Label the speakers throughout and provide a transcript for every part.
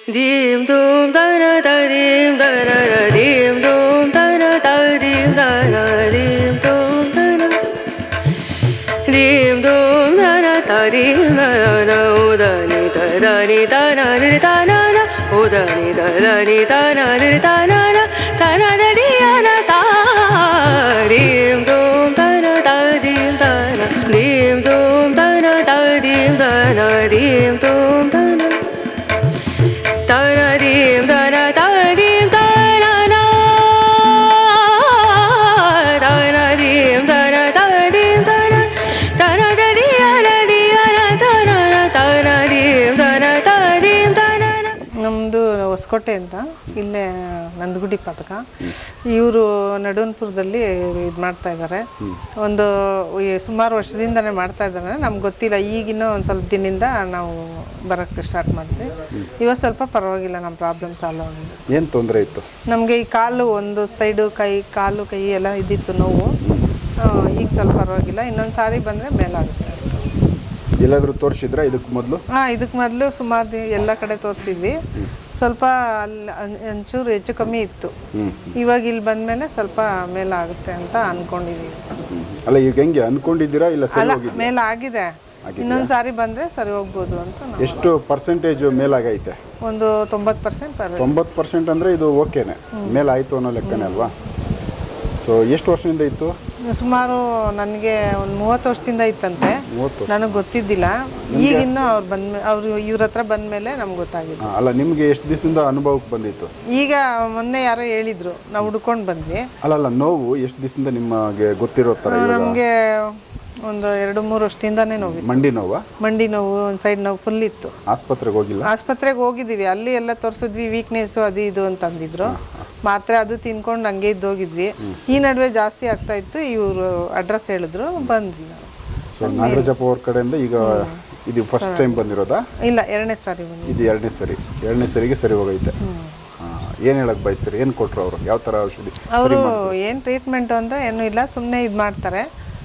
Speaker 1: dim dum da na da dim da na na dim dum da na da dim da na dim dum da na dim dum da na da dim da na na o da ni da na di da na na o da ni da na di da na na da di ya na da dim dum da na da dim da na dim dum da na da dim da na dim dum da na da na dim da na da dim da na na da na dim da na da dim da na da na da di ya na da na na da na dim da na da dim da na na.
Speaker 2: ನಮ್ಮದು ಹೊಸಕೋಟೆ ಅಂತ ಇಲ್ಲೇ ನಂದಗುಡಿ ಪದಕ ಇವರು ನಡುವನ್ಪುರದಲ್ಲಿ ಇದು ಮಾಡ್ತಾ ಇದ್ದಾರೆ. ಒಂದು ಸುಮಾರು ವರ್ಷದಿಂದನೇ ಮಾಡ್ತಾ ಇದ್ದಾರೆ. ನಮ್ಗೆ ಗೊತ್ತಿಲ್ಲ, ಈಗಿನ ಒಂದು ಸ್ವಲ್ಪ ದಿನದಿಂದ ನಾವು ಬರೋಕ್ಕೆ ಸ್ಟಾರ್ಟ್ ಮಾಡಿದ್ವಿ. ಇವಾಗ ಸ್ವಲ್ಪ ಪರವಾಗಿಲ್ಲ, ನಮ್ಮ ಪ್ರಾಬ್ಲಮ್ ಸಾಲ್ವ್ ಆಗಿದೆ.
Speaker 3: ಏನು ತೊಂದರೆ ಇತ್ತು
Speaker 2: ನಮಗೆ ಈ ಕಾಲು ಒಂದು ಸೈಡು ಕಾಲು ಕೈ ಎಲ್ಲ ಇದ್ದಿತ್ತು ನೋವು. ಈಗ ಸ್ವಲ್ಪ ಪರವಾಗಿಲ್ಲ. ಇನ್ನೊಂದು ಸಾರಿ ಬಂದರೆ ಮೇಲಾಗುತ್ತೆ.
Speaker 3: ಎಲ್ಲಾದರೂ ತೋರಿಸಿದ್ರಾ ಇದಕ್ಕೆ ಮೊದಲು?
Speaker 2: ಇದಕ್ಕೆ ಮೊದಲು ಸುಮಾರು ಎಲ್ಲ ಕಡೆ ತೋರಿಸಿದ್ವಿ. ಸ್ವಲ್ಪ ಅಲ್ಲಿ ಒಂಚೂರು ಹೆಚ್ಚು ಕಮ್ಮಿ ಇತ್ತು. ಇವಾಗ ಇಲ್ಲಿ ಬಂದಮೇಲೆ ಸ್ವಲ್ಪ ಮೇಲಾಗುತ್ತೆ ಅಂತ ಅಂದ್ಕೊಂಡಿದ್ದೀವಿ.
Speaker 3: ಅಲ್ಲ, ಈಗ ಹೆಂಗೆ ಅಂದ್ಕೊಂಡಿದ್ದೀರಾ? ಇಲ್ಲ
Speaker 2: ಅಲ್ಲ, ಮೇಲಾಗಿದೆ. ಇನ್ನೊಂದು ಸಾರಿ ಬಂದರೆ ಸರಿ ಹೋಗ್ಬೋದು ಅಂತ.
Speaker 3: ಎಷ್ಟು ಪರ್ಸೆಂಟೇಜ್ ಮೇಲಾಗೈತೆ?
Speaker 2: ಒಂದು 90%.
Speaker 3: 90% ಅಂದರೆ ಇದು ಓಕೆನೆ, ಮೇಲಾಯಿತು ಅನ್ನೋ ಲೆಕ್ಕನೇ ಅಲ್ವಾ? ಸೊ ಎಷ್ಟು ವರ್ಷದಿಂದ ಇತ್ತು?
Speaker 2: ಸುಮಾರು ನನಗೆ ಒಂದು 30 ವರ್ಷದಿಂದ ಇತ್ತಂತೆ. ನನಗೆ ಗೊತ್ತಿದ್ದಿಲ್ಲ. ಈಗಿನ್ನು ಅವ್ರು ಇವ್ರ ಹತ್ರ ಬಂದಮೇಲೆ ನಮ್ಗೆ ಗೊತ್ತಾಗಿತ್ತು.
Speaker 3: ಅಲ್ಲ, ನಿಮಗೆ ಎಷ್ಟು ದಿವಸದಿಂದ ಅನುಭವಕ್ಕೆ ಬಂದಿತ್ತು?
Speaker 2: ಈಗ ಮೊನ್ನೆ ಯಾರೋ ಹೇಳಿದ್ರು, ನಾವು ಹುಡ್ಕೊಂಡು ಬಂದ್ವಿ.
Speaker 3: ಅಲ್ಲ, ನೋವು ಎಷ್ಟು ದಿವಸದಿಂದ ನಿಮಗೆ ಗೊತ್ತಿರೋ ಥರ?
Speaker 2: ನಮಗೆ ಒಂದು 2-3 ವರ್ಷದಿಂದಾನೇ ನೋವು.
Speaker 3: ಮಂಡಿ ನೋವು,
Speaker 2: ಒಂದು ಸೈಡ್ ನೋವು ಫುಲ್ ಇತ್ತು.
Speaker 3: ಆಸ್ಪತ್ರೆಗೆ ಹೋಗಿಲ್ಲ?
Speaker 2: ಆಸ್ಪತ್ರೆಗೆ ಹೋಗಿದ್ದೀವಿ. ಅಲ್ಲಿ ಎಲ್ಲ ತೋರಿಸಿದ್ವಿ, ವೀಕ್ನೆಸ್ಸು ಅದು ಇದು ಅಂತ ಅಂದಿದ್ರು. ಮಾತ್ರೆ ಅದು ತಿನ್ಕೊಂಡು ಹಂಗೆ ಇದ್ದೋಗಿದ್ವಿ. ಈ ನಡುವೆ ಜಾಸ್ತಿ ಆಗ್ತಾ ಇತ್ತು. ಇವರು ಅಡ್ರೆಸ್ ಹೇಳಿದ್ರು, ಬಂದ್ವಿ ನಾವು.
Speaker 3: ಸೊ ನಾಗರಾಜಪ್ಪ ಅವ್ರ ಕಡೆಯಿಂದ ಈಗ ಇದು ಫಸ್ಟ್ ಟೈಮ್ ಬಂದಿರೋದಾ?
Speaker 2: ಇಲ್ಲ, 2ನೇ ಸಾರಿ ಬಂದಿದ್ದು.
Speaker 3: ಇದು 2ನೇ ಸರಿಗೆ ಸರಿ ಹೋಗೈತೆ. ಏನು ಹೇಳಕ್ಕೆ ಬಯಸ್ತೀರಿ? ಏನು ಕೊಟ್ಟರು ಅವರು? ಯಾವ ಥರ ಔಷಧಿ?
Speaker 2: ಅವರು ಏನು ಟ್ರೀಟ್ಮೆಂಟು ಅಂತ ಏನೂ ಇಲ್ಲ, ಸುಮ್ಮನೆ ಇದು ಮಾಡ್ತಾರೆ,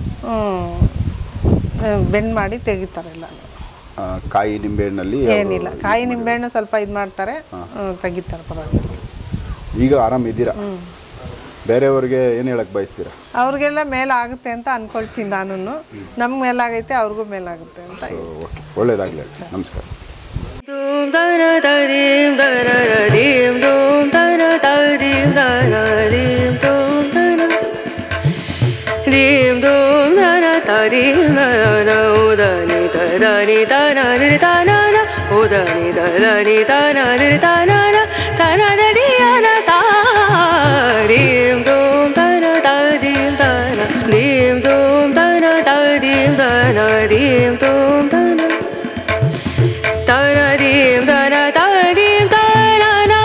Speaker 2: ಬೆಂಡ್ ಮಾಡಿ ತೆಗಿತಾರೆ. ಎಲ್ಲ
Speaker 3: ಕಾಯಿ ನಿಂಬೆಹಣ್ಣಲ್ಲಿ
Speaker 2: ಏನಿಲ್ಲ, ಕಾಯಿ ನಿಂಬೆಹಣ್ಣು ಸ್ವಲ್ಪ ಇದು ಮಾಡ್ತಾರೆ, ತೆಗಿತಾರೆ, ಪರವಾಗಿಲ್ಲ.
Speaker 3: ಈಗ ಆರಾಮಿದ್ದೀರಾ? ಬೇರೆಯವ್ರಿಗೆ ಏನು ಹೇಳಕ್ಕೆ ಬಯಸ್ತೀರಾ?
Speaker 2: ಅವ್ರಿಗೆಲ್ಲ ಮೇಲಾಗುತ್ತೆ ಅಂತ ಅನ್ಕೊಳ್ತೀನಿ ನಾನು. ನಮ್ಗೆ ಮೇಲಾಗೈತೆ, ಅವ್ರಿಗೂ ಮೇಲಾಗುತ್ತೆ ಅಂತ.
Speaker 3: ಓಕೆ, ಒಳ್ಳೇದಾಗಲಿ. ನಮಸ್ಕಾರ.
Speaker 1: Dum da na da dim da na na dim dum da na da dim da na dim dum da na dim dum da na da dim da na o da ni da na di da na na o da ni da na di da na da di ya na da dim dum da na da dim da na dim dum da na da dim da na dim dum da na da na dim da na da dim da na na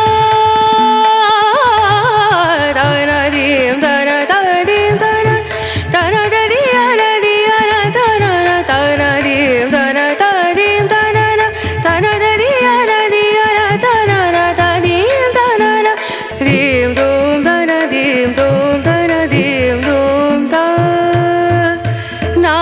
Speaker 1: da na dim da na da dim da na da na da di ya na da na na da na dim da na da dim da na na da na da di ya na da na na da dim da na na dim dum da na dim dum da na dim dum da na.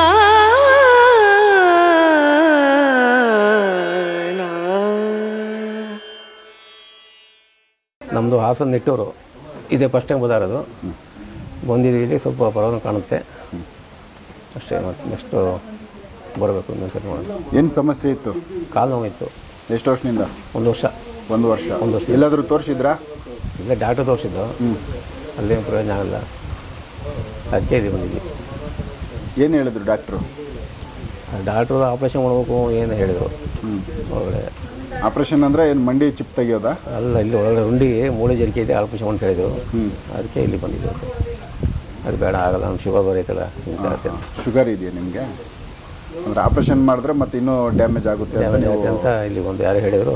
Speaker 4: ನಮ್ಮದು ಹಾಸನ ನಿಟ್ಟೂರು. ಇದೇ first time ಬಂದಿರೋದು. ಬಂದಿದ್ದೀವಿ, ಇಲ್ಲಿ ಸ್ವಲ್ಪ ಪರವಾಗಿ ಕಾಣುತ್ತೆ ಅಷ್ಟೇ. ಮತ್ತು ನೆಕ್ಸ್ಟು ಬರಬೇಕು ಇನ್ನೊಂದ್ಸರಿ ಮಾಡೋದು.
Speaker 3: ಏನು ಸಮಸ್ಯೆ ಇತ್ತು?
Speaker 4: ಕಾಲು ನೋವಿತ್ತು.
Speaker 3: ಎಷ್ಟು ವರ್ಷದಿಂದ?
Speaker 4: ಒಂದು ವರ್ಷ.
Speaker 3: ಎಲ್ಲಾದರೂ ತೋರಿಸಿದ್ರಾ?
Speaker 4: ಇಲ್ಲೇ ಡಾಕ್ಟ್ರ್ ತೋರಿಸಿದ್ದು, ಅಲ್ಲೇನು ಪ್ರಯೋಜನ ಆಗಲ್ಲ, ಅದಕ್ಕೆ ಇದು ಬಂದಿದ್ವಿ.
Speaker 3: ಏನು ಹೇಳಿದ್ರು ಡಾಕ್ಟ್ರು?
Speaker 4: ಡಾಕ್ಟ್ರು ಆಪ್ರೇಷನ್ ಮಾಡಬೇಕು ಏನು ಹೇಳಿದರು. ಒಳಗಡೆ
Speaker 3: ಆಪ್ರೇಷನ್ ಅಂದರೆ ಏನು ಮಂಡಿ ಚಿಪ್ ತೆಗಿಯೋದಾ?
Speaker 4: ಅಲ್ಲ, ಇಲ್ಲಿ ಒಳಗಡೆ ರುಂಡಿಗೆ ಮೂಳೆ ಜರಿಕೆ ಇದೆ, ಆಪ್ರೇಷನ್ ಅಂತ ಹೇಳಿದರು. ಅದಕ್ಕೆ ಇಲ್ಲಿ ಬಂದಿದ್ದು. ಅದು ಬೇಡ, ಆಗಲ್ಲ, ನಮ್ಮ ಶುಗರ್ ಬರೈತಲ್ಲ,
Speaker 3: ಶುಗರ್ ಇದೆಯಾ ನಿಮಗೆ? ಅಂದರೆ ಆಪ್ರೇಷನ್ ಮಾಡಿದ್ರೆ ಮತ್ತೆ ಇನ್ನೂ ಡ್ಯಾಮೇಜ್ ಆಗುತ್ತೆ
Speaker 4: ಅಂತ ಇಲ್ಲಿ ಒಂದು ಯಾರು ಹೇಳಿದರು.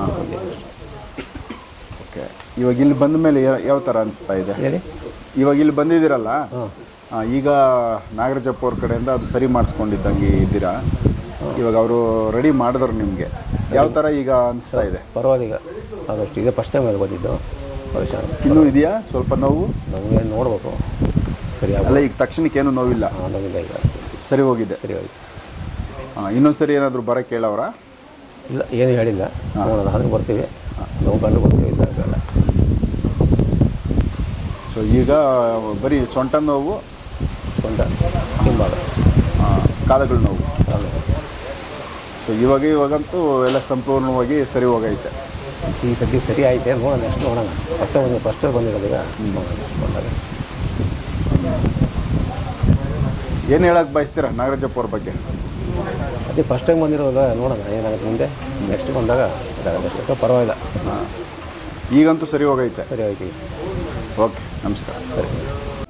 Speaker 3: ಓಕೆ, ಇವಾಗ ಇಲ್ಲಿ ಬಂದ ಮೇಲೆ ಯಾವ ಥರ ಅನಿಸ್ತಾ ಇದೆ?
Speaker 4: ಹೇಳಿ.
Speaker 3: ಇವಾಗ ಇಲ್ಲಿ ಬಂದಿದ್ದೀರಲ್ಲ, ಈಗ ನಾಗರಾಜಪ್ಪ ಅವ್ರ ಕಡೆಯಿಂದ ಅದು ಸರಿ ಮಾಡಿಸ್ಕೊಂಡಿದ್ದಂಗೆ ಇದ್ದೀರಾ? ಇವಾಗ ಅವರು ರೆಡಿ ಮಾಡಿದ್ರು ನಿಮಗೆ, ಯಾವ ಥರ ಈಗ ಅನಿಸ್ತಾ ಇದೆ?
Speaker 4: ಪರವಾಗಿಲ್ಲ, ಅದಷ್ಟು ಇದೆ. ಫಸ್ಟ್ ಟೈಮ್ ಬಂದಿದ್ದು.
Speaker 3: ಇನ್ನೂ ಇದೆಯಾ ಸ್ವಲ್ಪ ನೋವು?
Speaker 4: ನಮಗೆ ನೋಡಬೇಕು. ಸರಿ
Speaker 3: ಅಲ್ಲ, ಈಗ ತಕ್ಷಣಕ್ಕೆ ಏನು ನೋವಿಲ್ಲ?
Speaker 4: ನೋವಿಲ್ಲ, ಈಗ
Speaker 3: ಸರಿ ಹೋಗಿದೆ.
Speaker 4: ಸರಿ ಹೋಯ್ತು.
Speaker 3: ಇನ್ನೊಂದು ಸರಿ ಏನಾದರೂ ಬರೋಕ್ಕೆ ಹೇಳವ್ರಾ?
Speaker 4: ಇಲ್ಲ, ಏನು ಹೇಳಿಲ್ಲ. ನೋಡೋಣ, ಅದಕ್ಕೆ ಬರ್ತೀವಿ. ನೋವು ಕಂಡು ಬಂದು ಇದ್ದಾಗಲ್ಲ.
Speaker 3: ಸೊ ಈಗ ಬರೀ ಸೊಂಟ ನೋವು,
Speaker 4: ಸೊಂಟ ಹಿಂಭಾಗ
Speaker 3: ಕಾಲುಗಳ ನೋವು.
Speaker 4: ಕಾಲು.
Speaker 3: ಸೊ ಇವಾಗಂತೂ ಎಲ್ಲ ಸಂಪೂರ್ಣವಾಗಿ ಸರಿ ಹೋಗೈತೆ.
Speaker 4: ಈ ಸತಿ ಸರಿ ಆಯ್ತೆ, ನೋಡೋಣ ನೆಕ್ಸ್ಟ್ ನೋಡೋಣ. ಫಸ್ಟ್ ಬಂದಿರೋದು ಈಗ ನೋಡೋಣ ನೆಕ್ಸ್ಟ್ ಬಂದಾಗ.
Speaker 3: ಏನು ಹೇಳಕ್ಕೆ ಬಯಸ್ತೀರಾ ನಾಗರಾಜಪ್ಪ ಅವ್ರ ಬಗ್ಗೆ?
Speaker 4: ಅದೇ ಫಸ್ಟ್ ಟೈಮ್ ಬಂದಿರೋದು, ನೋಡೋಣ ಏನಾಗುತ್ತೆ ಮುಂದೆ. ನೆಕ್ಸ್ಟ್ ಬಂದಾಗ ಇದಾಗುತ್ತೆ ಅಷ್ಟೇ. ಸೊ ಪರವಾಗಿಲ್ಲ,
Speaker 3: ಈಗಂತೂ ಸರಿ ಹೋಗೈತೆ.
Speaker 4: ಸರಿ ಆಯ್ತು.
Speaker 3: ಓಕೆ, ನಮಸ್ಕಾರ.
Speaker 4: ಸರಿ.